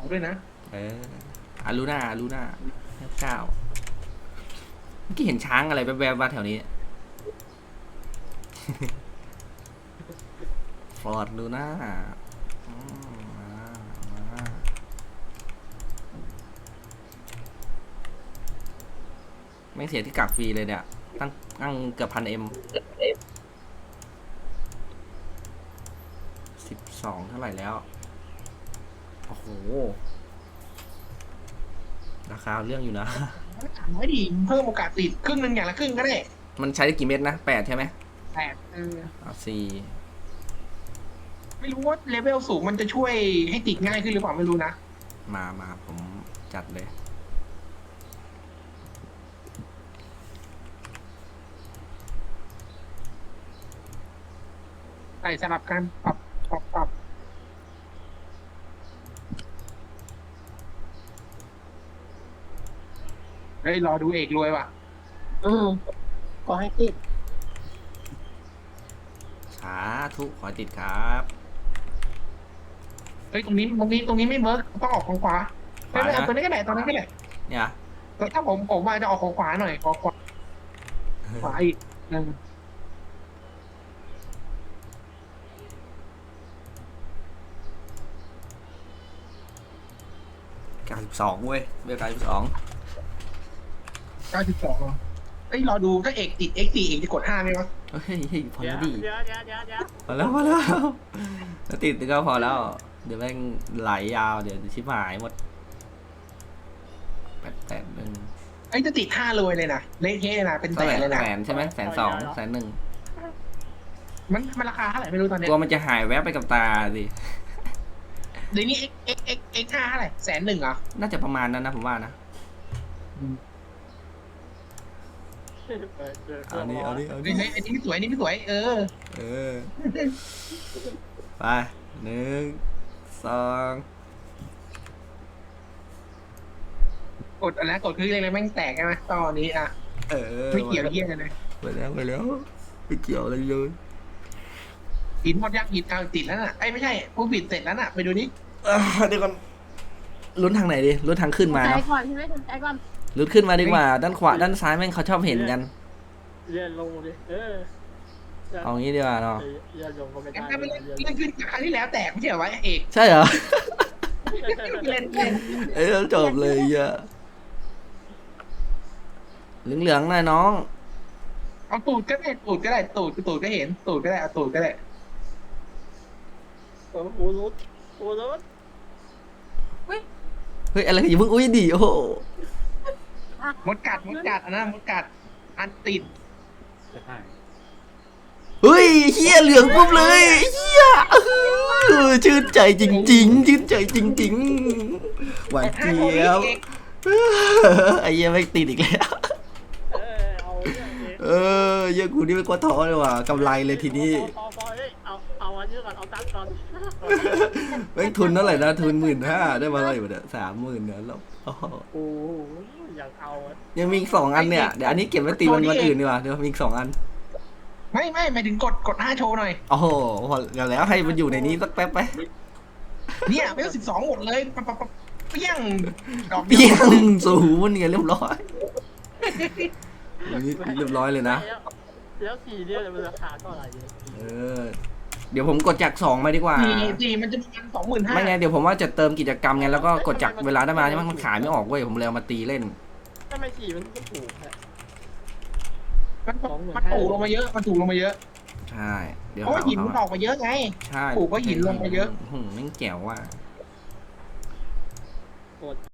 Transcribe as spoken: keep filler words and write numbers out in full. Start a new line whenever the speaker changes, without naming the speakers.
ด้วยนะ
เอออารูน่าอารูน่าเก้าเมื่อกี้เห็นช้างอะไรแวบๆมาแถวนี้ฟอร์ดลูน่าไม่เสียที่กักฟรีเลยเนี่ยตั้งตั้งเกือบพันเอ็มสิบสองเท่าไหร่แล้วโอ้โหราคาเรื่องอยู่นะ
ถามไม่ดีเพิ่มโอกาสติดครึ่งหนึ่งอย่างละครึ่งก็ได้
มันใช้ได้กี่เม็ดนะแปดใช่ไหม
แปดเออ
สี่
ไม่รู้ว่าเลเวลสูงมันจะช่วยให้ติดง่ายขึ้นหรือเปล่าไม่รู้นะ
มามาผมจัดเลย
ใส่สลับกันปรับปรับปรับเฮ้ยรอดูเอกรวยว่ะ
อืมก็ให้ติด
สาธุขอติดครับ
เฮ้ยตรงนี้ตรงนี้ตรงนี้ไม่เมิร์กต้องออกของขวาไม่ไม่เอาตัวนี้ก็ได้ตอนนั้นก็ได้
เนี่ย
แต่ถ้าผมผมมาจะออกของขวาหน่อยขอขวาขวาอีกหนึ่ง
เก้าสิบสองเว้ยเบลเก้าสิบสอง
เก้าสิบสองเอ้ยรอดูถ้าเอกติด เอ็กซ์ สี่ เอกจะกดห้าไหมวะ
เฮ้ยพอแล้วดิ
เดี๋ยวเดี๋ยวเดี๋ยวเดี๋ยว
พอแล้วพอแล้วถ้าติดก็พอแล้วเดี๋ยวแม่งไหลยาวเดี๋ยวชิบหายหมดแปดแปดหนึ่ง
ไอ้จะติดห้าเลยเลยนะเละเทะนะเป็นแสนเลยนะ
แสนใช่ไหมแสนสองแสนหนึ่ง
มันมันราคาเท่าไหร่ไม่รู้ตอนนี้
กลัวมันจะหายแวบไปกับตาสิ
เดี๋ยวนี้ x x x x ห้าเท่าไหร่แสนหนึ่งเหรอ
น่าจะประมาณนั้นนะผมว่านะเอานี้เอานี้เอานี้
ไอ้นี่ไม่สวยนี่ไม่สวยเออ
เออไปหนึ่งสอง
กดอะไรกดคืออะไรแม่งแตกใช่ไหมตอนนี้อ่ะ
เออ
ไม่เกี่ยวเยี่ยกันเลย
ไปแล้วไปแล้วไม่เกี่ยวอะไรเลย
หินหมดยักษ์หินเอาติดแล้วน่ะไอ้ไม่ใช่ผู้ผิดเสร็จแล้วน่ะไปดูนี่
เดี๋ยวก่อนลุ้นทางไหนดิลุ้นทางขึ้นมา
ใจ
เนาะ
ก่อนใช่ไหมใจก่อน
ลุ้นขึ้นมาดีกว่าด้านขวาด้านซ้ายแม่งเขาชอบเห็นกัน
เลื่อนลงดิเออ
เอางี้ดีกว่าเนาะ
เลื่อนลงก็ไม่ได้
งั้นไม่เล่นเล่นขึ้นครั้งที่แล้วแตกไม่ใช่เหรอวะเอก
ใช่เหรอ
เล่นเล่น
เอ้ยจบเลยอะเหลืองๆหน่อยน้อง
เอาตูดก็ได้ตูดก็ได้ตูดตูดก็เห็นตูดก็ได้เอาตูดก็ได้
โอ้โหรุดโอ้รุด
เฮ้ยอะไรอย่าเพิ่งอุ้ยดิโอ้โห
มดกัดมดกัดอันนั้นมดกัดอันติด
เฮ้ยเฮียเหลืองปุ๊บเลยเฮียชื่นใจจริงๆชื่นใจจริงๆหวานเจี๊ยบไอ้เหี้ยไม่ติดอีกแล้วเออเหี้ยกูนี่ไม่กลัวท้อเลยว่ะกำไรเลยทีนี้
เอาเอาอันนี้ก่อนเอาตังค์ก่อน
แม่งทุนเท่าไหร่นะทุนหมื่นห้าได้มาเท่าไหร่เนี่ยสามหมื่นเนี่ยแล้ว
โอ้โหอยากเอา
ยังมีอีกสองอันเนี่ยเดี๋ยวอันนี้เก็บไว้ตีวันวันอื่นดีกว่าเดี๋ยวมีอีกสองอัน
ไม่ไม่หมายถึงกดกดห้าโชว์หน่อย
โอ้โหพอแล้วให้มันอยู่ในนี้สักแป๊บไป
เนี่ยไม่ต้องสิบสองหมดเลยปั๊บปั๊บเปี้ยง
ดอกเปี้ยงสูงเนี่ยเรียบร้อยเรียบร้อยเลยนะ
แล้วสี่เนี่ยมันราคาเท่าไหร่
เออเดี๋ยวผมกดจากสองมาดีกว่า
สี่สี่มันจะเป็นสองหมื่นห้า
ไม่ไงเดี๋ยวผมว่าจะเติมกิจกรรมไงแล้วก็กดจากเวลาได้มาใช่ไหมมันขายไม่ออกเว้ยผมเลยเอามาตีเล่น
ทำไมสี่มันก็ถูก
มันมันถูกลงมาเยอะมันถูกลงมาเยอะ
ใช่
เดี๋ยวเพราะหินมันออกมาเยอะไง
ใช่
ถูกเพราะหินลงมาเยอะ
หืมแม่งแจ๋วว่ะ